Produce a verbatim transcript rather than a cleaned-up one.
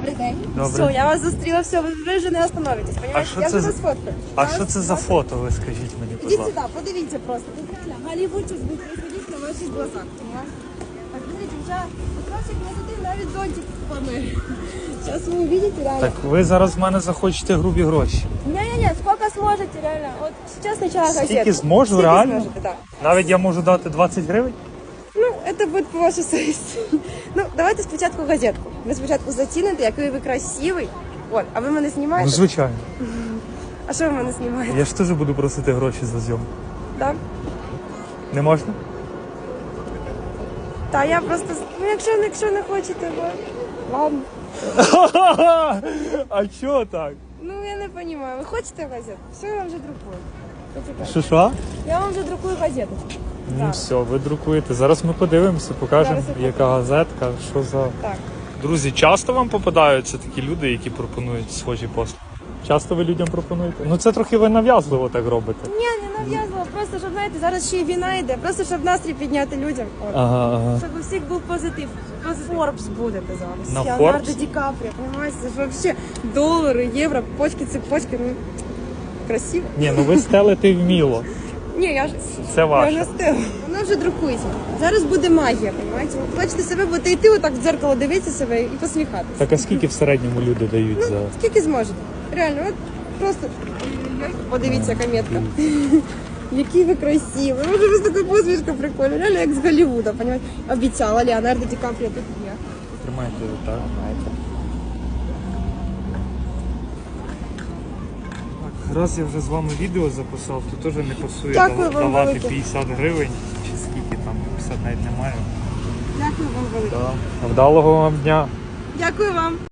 Добрий день. Добре. Все, я вас зустріла, все, ви ви вже не остановитесь, А понимаете? що Я це вже за- вас фоткаю. А Зараз- що це за фото, ви скажіть мені, будь Ідіть ласка? сюди, подивіться просто. Тут реально Голлівуд сейчас будет происходить на ваших глазах, понимаете? Так, смотрите, вже от ваших красоти навіть зонтик помер. Сейчас вы увидите реально. Так ви зараз в мене захочете грубі гроші. Не-не-не, сколько сможете реально. Вот сейчас сначала газетку. Скільки зможу, Скільки реально? зможете, да. Навіть я можу дати двадцять гривень? Ну, це буде по вашій совісті. Ну, давайте спочатку газетку. Ви спочатку заціните, який ви красивий. От, а ви мене Ну, знімаєте? звичайно. А що ви мене знімаєте? Я ж теж буду просити гроші за зйомку. Так? Не можна? Та я просто, ну якщо, якщо не хочете, бо... ладно. А чого так? Ну я не розумію, ви хочете газету? Все, я вам вже друкую. Почекайте. Що що? Я вам вже друкую газету. Ну Так. все, ви друкуєте. Зараз ми подивимося, покажемо, Зараз я яка газетка, що за. Так. Друзі, часто вам попадаються такі люди, які пропонують схожі послуги? Часто ви людям пропонуєте? Ну це трохи ви нав'язливо так робите. Ні, не нав'язувала, просто щоб, знаєте, зараз ще й війна йде, просто щоб настрій підняти людям. От. Ага, ага. Щоб у всіх був позитив. Форбс будете зараз. На Леонардо Forbes? Ді Капріо, понимаете? Це ж вообще долари, євро, почки, цепочки, ну, красиво. Ні, ну ви стелите вміло. Ні, я ж Це я ваше. вже стила. Воно вже друкується. Зараз буде магія, понимаете? От бачите себе, будете йти отак в дзеркало, дивитися себе і посміхатися. Так а скільки в середньому люди дають за. Скільки зможете. Реально, от просто подивіться, яка метка. Який ви красиві. Може, у вас така посмішка прикольна. Реально, як з Голлівуда, понимаете? Обіцяла Леонардо Ді Капріо тут є. Тримайте так. Раз я вже з вами відео записав, то теж не пасує Дякую дав- вам давати велике. п'ятдесят гривень, чи скільки там, п'ятдесят навіть немає. Дякую вам велике. Да. Вдалого вам дня. Дякую вам.